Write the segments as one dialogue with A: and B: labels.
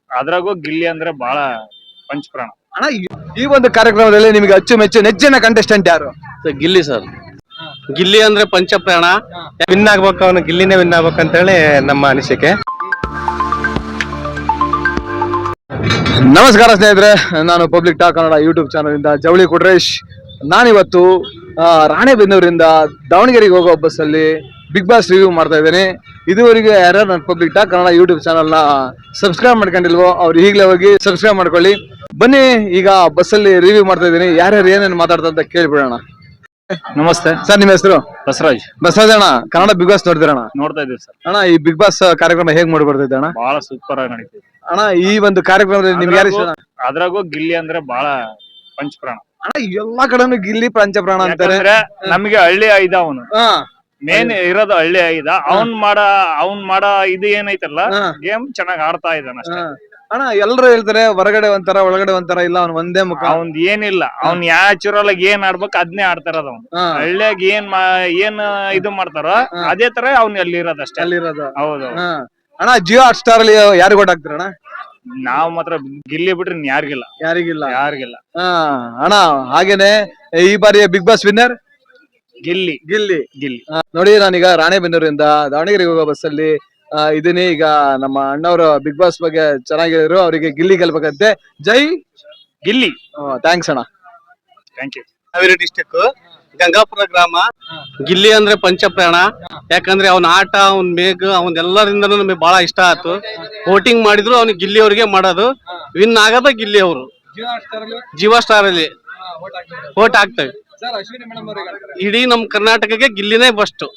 A: ಅದ್ರಾಗೂ ಗಿಲ್ಲಿ ಅಂದ್ರೆ ಬಹಳ ಪಂಚಪ್ರಾಣ.
B: ಅಣ್ಣ ಈ ಒಂದು ಕಾರ್ಯಕ್ರಮದಲ್ಲಿ ನಿಮಗೆ ಅಚ್ಚುಮೆಚ್ಚು ನೆಚ್ಚಿನ ಕಂಟೆಸ್ಟೆಂಟ್ ಯಾರು?
C: ಗಿಲ್ಲಿ ಸರ್. ಗಿಲ್ಲಿ ಅಂದ್ರೆ ಪಂಚಪ್ರಾಣ.
D: ವಿನ್ ಆಗ್ಬೇಕು, ಅವನು ಗಿಲ್ಲಿನೇ ವಿನ್ ಆಗ್ಬೇಕು ಅಂತ ಹೇಳಿ ನಮ್ಮ ಅನಿಸಿಕೆ.
B: ನಮಸ್ಕಾರ ಸ್ನೇಹಿತರೆ, ನಾನು public talk Kannada YouTube channel ಇಂದ ಜವಳಿ ಕೊಟ್ರೇಶ್. ನಾನಿವತ್ತು ರಾಣೆಬೆನ್ನೂರಿಂದ ದಾವಣಗೆರೆಗೆ ಹೋಗೋ ಬಸ್ಸಲ್ಲಿ ಬಿಗ್ ಬಾಸ್ ರಿವ್ಯೂ ಮಾಡ್ತಾ ಇದ್ದೇನೆ. ಇದುವರೆಗೆ ಯಾರು ನನ್ನ ಪಬ್ಲಿಕ್ ಟಾಕ್ ಕನ್ನಡ ಯೂಟ್ಯೂಬ್ ಚಾನಲ್ನ ಸಬ್ಸ್ಕ್ರೈಬ್ ಮಾಡ್ಕೊಂಡಿಲ್ವೋ ಅವ್ರು ಈಗಲೇ ಹೋಗಿ ಸಬ್ಸ್ಕ್ರೈಬ್ ಮಾಡ್ಕೊಳ್ಳಿ. ಬನ್ನಿ, ಈಗ ಬಸ್ಸಲ್ಲಿ ರಿವ್ಯೂ ಮಾಡ್ತಾ ಇದ್ದೀನಿ. ಯಾರ್ಯಾರು ಏನೇನು ಮಾತಾಡ್ತಾ ಅಂತ ಕೇಳಿಬಿಡೋಣ.
A: ನಮಸ್ತೆ
B: ಸರ್, ನಿಮ್ಮ ಹೆಸರು?
A: ಬಸವರಾಜ್.
B: ಬಸವರಾಜ್ ಅಣ್ಣ, ಕನ್ನಡ ಬಿಗ್ ಬಾಸ್ ನೋಡ್ತೀರಣ್ಣ?
A: ನೋಡ್ತಾ ಇದ್ದೀವಿ ಸರ್.
B: ಅಣ್ಣ, ಈ ಬಿಗ್ ಬಾಸ್ ಕಾರ್ಯಕ್ರಮ ಹೇಗ್ ಮಾಡಿ ಬರ್ತಿದ್ದೆ ಅಣ್ಣ?
A: ಬಹಳ ಸೂಪರ್ ಆಗಿ ನಡೀತಿದೆ
B: ಅಣ್ಣ. ಈ ಒಂದು ಕಾರ್ಯಕ್ರಮದಲ್ಲಿ ನಿಮ್ಗೆ ಯಾರು ಇಷ್ಟ?
A: ಅದ್ರಾಗೂ ಗಿಲ್ಲಿ ಅಂದ್ರೆ ಬಹಳ ಪಂಚಪ್ರಾಣ
B: ಅಣ್ಣ. ಎಲ್ಲಾ ಕಡೆನೂ ಗಿಲ್ಲಿ ಪಂಚಪ್ರಾಣ ಅಂತಾರೆ.
A: ನಮ್ಗೆ ಹಳ್ಳಿ ಐದ ಅವನು ಮೇನ್ ಇರೋದು ಹಳ್ಳಿ ಐದ. ಅವ್ನ್ ಮಾಡ ಇದು ಏನೈತಲ್ಲ ಗೇಮ್ ಚೆನ್ನಾಗ್ ಆಡ್ತಾ ಇದ್ದಾನ ಅಷ್ಟೇ.
B: ಅಣ್ಣ, ಎಲ್ರು ಹೇಳ್ತಾರೆ ಹೊರಗಡೆ ಒಂಥರ ಒಳಗಡೆ ಒಂಥರ, ಇಲ್ಲ ಅವ್ನ್ ಒಂದೇ ಮುಖ.
A: ಅವ್ನ್ ಏನಿಲ್ಲ, ಅವ್ನ್ ನ್ಯಾಚುರಲ್ ಆಗಿ ಏನ್ ಆಡ್ಬೇಕು ಅದನ್ನೇ ಆಡ್ತಾರದ್ ಅವ್ನು. ಹಳ್ಳಿಯಾಗ ಏನ್ ಇದು ಮಾಡ್ತಾರೋ ಅದೇ ತರ ಅವ್ನ್ ಅಲ್ಲಿ ಇರೋದಷ್ಟೇ. ಹೌದು
B: ಅಣ್ಣ. ಜಿಯೋ ಹಾಟ್ ಸ್ಟಾರ್ ಅಲ್ಲಿ ಯಾರಿಗ್ ಓಟ್ ಹಾಕ್ತೀರಣ್ಣ?
A: ನಾವ್ ಮಾತ್ರ ಗಿಲ್ಲಿ ಬಿಟ್ರೆ ಯಾರಿಗಿಲ್ಲ.
B: ಅಣ್ಣ, ಹಾಗೇನೆ ಈ ಬಾರಿ ಬಿಗ್ ಬಾಸ್ ವಿನ್ನರ್
A: ಗಿಲ್ಲಿ.
B: ನೋಡಿ, ನಾನೀಗ ರಾಣೆಬೆನ್ನೂರಿಂದ ದಾವಣಗೆರೆಗೆ ಹೋಗೋ ಬಸ್ಸಲ್ಲಿ ಇದೀನಿ. ಈಗ ನಮ್ಮ ಅಣ್ಣವರು ಬಿಗ್ ಬಾಸ್ ಬಗ್ಗೆ ಚೆನ್ನಾಗಿದ್ರು, ಅವರಿಗೆ ಗಿಲ್ಲಿ ಗೆಲ್ಬೇಕಂತೆ. ಜೈ
A: ಗಿಲ್ಲಿ.
B: ಥ್ಯಾಂಕ್ಸ್ ಅಣ್ಣ.
A: Thank you.
C: Haveri district Gangapura ಗ್ರಾಮ. ಗಿಲ್ಲಿ ಅಂದ್ರೆ ಪಂಚಪ್ರಾಣ. ಯಾಕಂದ್ರೆ ಅವನ ಆಟ, ಅವನ್ ಮೇಘ, ಅವನ್ ಎಲ್ಲರಿಂದನೂ ನಮಗೆ ಬಹಳ ಇಷ್ಟ ಆಯ್ತು. ವೋಟಿಂಗ್ ಮಾಡಿದ್ರು ಅವ್ನಿಗೆ ಗಿಲ್ಲಿ ಅವ್ರಿಗೆ ಮಾಡೋದು. ವಿನ್ ಆಗದ ಗಿಲ್ಲಿ ಅವರು. ಜಿಯೋ ಸ್ಟಾರ್ ಅಲ್ಲಿ ವೋಟ್ ಹಾಕ್ತೇವೆ. ಇಡೀ ನಮ್ ಕರ್ನಾಟಕಕ್ಕೆ ಗಿಲ್ಲಿನೇ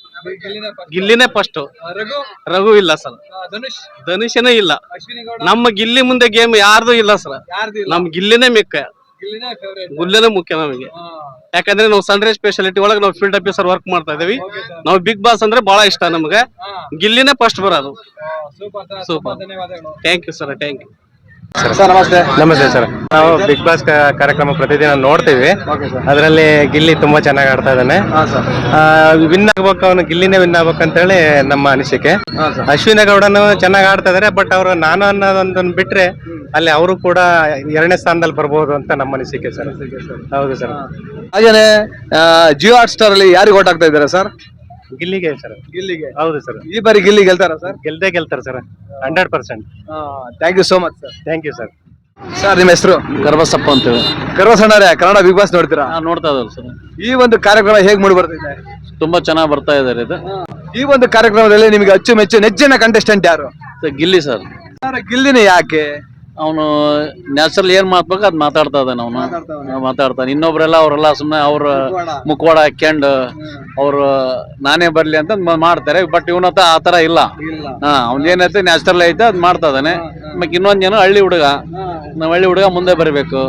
C: ಫಸ್ಟ್. ರಘು ಇಲ್ಲ ಸರ್. ಧನುಷನೇ ಇಲ್ಲ. ನಮ್ಮ ಗಿಲ್ಲಿ ಮುಂದೆ ಗೇಮ್ ಯಾರ್ದು ಇಲ್ಲ ಸರ್. ನಮ್ ಗಿಲ್ಲಿನೇ ಗುಲ್ಲೆನೇ ಮುಖ್ಯ ನಮಗೆ. ಯಾಕಂದ್ರೆ ನಾವು ಸನ್ರೈಸ್ ಸ್ಪೆಷಾಲಿಟಿ ಒಳಗೆ ನಾವು ಫೀಲ್ಡ್ ಆಫೀಸರ್ ವರ್ಕ್ ಮಾಡ್ತಾ ಇದೀವಿ. ನಾವು ಬಿಗ್ ಬಾಸ್ ಅಂದ್ರೆ ಬಹಳ ಇಷ್ಟ ನಮ್ಗೆ. ಗಿಲ್ಲಿನೇ ಫಸ್ಟ್ ಬರೋದು. Super. Thank you sir. Thank you
B: sir. ನಮಸ್ತೆ.
D: ನಮಸ್ತೆ ಸರ್. ನಾವು ಬಿಗ್ ಬಾಸ್ ಕಾರ್ಯಕ್ರಮ ಪ್ರತಿದಿನ ನೋಡ್ತೀವಿ. ಅದರಲ್ಲಿ ಗಿಲ್ಲಿ ತುಂಬಾ ಚೆನ್ನಾಗಿ ಆಡ್ತಾ ಇದ್ದಾನೆ. ವಿನ್ ಆಗ್ಬೇಕು, ಅವನು ಗಿಲ್ಲಿನೇ ವಿನ್ ಆಗ್ಬೇಕು ಅಂತ ಹೇಳಿ ನಮ್ಮ ಅನಿಸಿಕೆ. ಅಶ್ವಿನಿ ಗೌಡನು ಚೆನ್ನಾಗಿ ಆಡ್ತಾ ಇದಾರೆ. ಬಟ್ ಅವರು ನಾನು ಅನ್ನೋದೊಂದನ್ನು ಬಿಟ್ರೆ ಅಲ್ಲಿ ಅವರು ಕೂಡ 2ನೇ ಸ್ಥಾನದಲ್ಲಿ ಬರ್ಬೋದು ಅಂತ ನಮ್ಮ ಅನಿಸಿಕೆ ಸರ್. ಹೌದು ಸರ್.
B: ಹಾಗೇನೆ ಜಿಯೋ ಹಾಟ್ ಸ್ಟಾರ್ ಅಲ್ಲಿ ಯಾರಿಗೆ ಓಟ್ ಹಾಕ್ತಾ ಇದ್ದಾರೆ ಸರ್?
D: ಗಿಲ್ಲಿಗೆ ಸರ್.
B: ಗಿಲ್ಲಿಗೆ.
D: ಹೌದು ಸರ್.
B: ಈ ಬಾರಿ ಗಿಲ್ಲಿ ಗೆಲ್ತಾರ ಸರ್?
D: ಗೆಲ್ತಾರೆ sir, 100%.
B: Thank you so much sir.
D: Thank you sir.
B: Sir, ನಿಮ್ಮ ಹೆಸರು?
C: ಗರ್ಭಸಪ್ಪ ಅಂತೇಳಿ.
B: ಗರ್ವಸಣ್ಣರೇ, ಕನ್ನಡ ಬಿಗ್ ಬಾಸ್ ನೋಡ್ತೀರಾ?
C: ನೋಡ್ತಾ ಇದ್ದಾರೆ ಸರ್.
B: ಈ ಒಂದು ಕಾರ್ಯಕ್ರಮ ಹೇಗ್ ಮೂಡಿ ಬರ್ತಿದೆ?
C: ತುಂಬಾ ಚೆನ್ನಾಗಿ ಬರ್ತಾ ಇದಾರೆ ಇದು.
B: ಈ ಒಂದು ಕಾರ್ಯಕ್ರಮದಲ್ಲಿ ನಿಮಗೆ ಅಚ್ಚುಮೆಚ್ಚು ನೆಚ್ಚಿನ ಕಂಟೆಸ್ಟೆಂಟ್ ಯಾರು?
C: ಗಿಲ್ಲಿ ಸರ್.
B: ಗಿಲ್ಲಿನೇ ಯಾಕೆ?
C: ಅವನು ನ್ಯಾಚುರಲ್ ಏನ್ ಮಾತಾಡ್ಬೇಕು ಅದ್ ಮಾತಾಡ್ತಾ ಇದ್ದಾನೆ. ಅವನು ಮಾತಾಡ್ತಾನೆ. ಇನ್ನೊಬ್ರೆಲ್ಲ ಅವರೆಲ್ಲ ಸುಮ್ಮನೆ ಅವ್ರ ಮುಖವಾಡ ಹಾಕ್ಯಂಡ್ ಅವ್ರು ನಾನೇ ಬರ್ಲಿ ಅಂತ ಮಾಡ್ತಾರೆ. ಬಟ್ ಇವನತ್ತ ಆತರ ಇಲ್ಲ. ಅವ್ನ ಏನೈತೆ ನ್ಯಾಚುರಲ್ ಐತೆ ಅದ್ ಮಾಡ್ತಾ ಇದ್ದಾನೆ. ಮತ್ ಇನ್ನೊಂದ್ ಜನ ಹಳ್ಳಿ ಹುಡುಗ, ನಾವ್ ಹಳ್ಳಿ ಹುಡುಗ ಮುಂದೆ ಬರ್ಬೇಕು.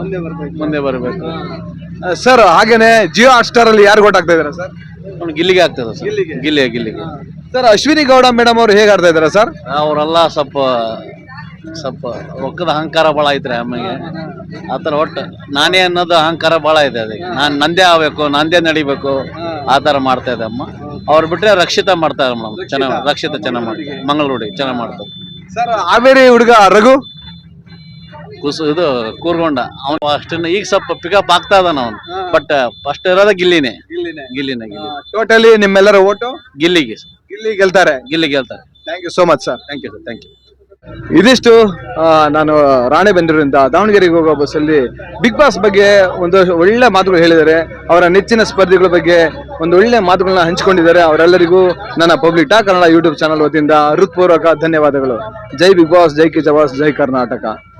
B: ಸರ್, ಹಾಗೇನೆ ಜಿಯೋ ಹಾಟ್ ಸ್ಟಾರ್ ಅಲ್ಲಿ ಯಾರು ಓಟ್ ಹಾಕ್ತಾ ಇದಾರೆ ಸರ್?
C: ಅವ್ನು ಗಿಲ್ಲಿಗೆ ಆಗ್ತದೆ ಸರ್. ಗಿಲ್ಲಿಗೆ.
B: ಸರ್, ಅಶ್ವಿನಿ ಗೌಡ ಮೇಡಮ್ ಅವ್ರು ಹೇಗ್ ಆಡ್ತಾ ಇದಾರೆ ಸರ್?
C: ಅವರೆಲ್ಲ ಸ್ವಲ್ಪ ರೊಕ್ಕದ ಅಹಂಕಾರ ಬಹಳ ಐತ್ರಿ ಅಮ್ಮಗೆ. ಆತರ ಒಟ್ಟು ನಾನೇ ಅನ್ನೋದು ಅಹಂಕಾರ ಬಹಳ ಇದೆ. ಅದಕ್ಕೆ ನಾನ್ ನಂದೇ ಆಗ್ಬೇಕು, ನಂದೇ ನಡಿಬೇಕು, ಆತರ ಮಾಡ್ತಾ ಇದೆ ಅಮ್ಮ. ಅವ್ರು ಬಿಟ್ರೆ ರಕ್ಷಿತಾ ಮಾಡ್ತಾರೆ ಮೇಡಮ್. ರಕ್ಷಿತಾ ಚೆನ್ನಾಗ್ ಮಾಡ್ತಾರೆ. ಮಂಗಳೂರು ಚೆನ್ನಾಗ್ ಮಾಡ್ತಾರೆ
B: ಸರ್. ಹಾವೇರಿ ಹುಡುಗ ರಘು
C: ಇದು ಕೂರ್ಗೊಂಡ ಅವನು ಅಷ್ಟನ್ನ ಈಗ ಸ್ವಲ್ಪ ಪಿಕಪ್ ಆಗ್ತಾ ಇದಾನ ಅವನು. ಬಟ್ ಫಸ್ಟ್ ಇರೋದ ಗಿಲ್ಲಿನೇ.
B: ಟೋಟಲಿ ನಿಮ್ಮೆಲ್ಲರ ಓಟು
C: ಗಿಲ್ಲಿಗೆ
B: ಗೆಲ್ತಾರೆ. Thank you so much sir.
C: Thank you.
B: ಇದಿಷ್ಟು ನಾನು ರಾಣೆಬೆನ್ನೂರಿಂದ ದಾವಣಗೆರೆಗೆ ಹೋಗೋ ಬಸ್ಸಲ್ಲಿ ಬಿಗ್ ಬಾಸ್ ಬಗ್ಗೆ ಒಂದು ಒಳ್ಳೆ ಮಾತುಗಳು ಹೇಳಿದ್ದಾರೆ. ಅವರ ನೆಚ್ಚಿನ ಸ್ಪರ್ಧಿಗಳ ಬಗ್ಗೆ ಒಂದು ಒಳ್ಳೆ ಮಾತುಗಳನ್ನ ಹಂಚಿಕೊಂಡಿದ್ದಾರೆ. ಅವರೆಲ್ಲರಿಗೂ ನನ್ನ public talk Kannada YouTube channel ವತಿಯಿಂದ ಹೃತ್ಪೂರ್ವಕ ಧನ್ಯವಾದಗಳು. ಜೈ ಬಿಗ್ ಬಾಸ್, ಜೈ ಕಿಚವಾಸ್, ಜೈ ಕರ್ನಾಟಕ.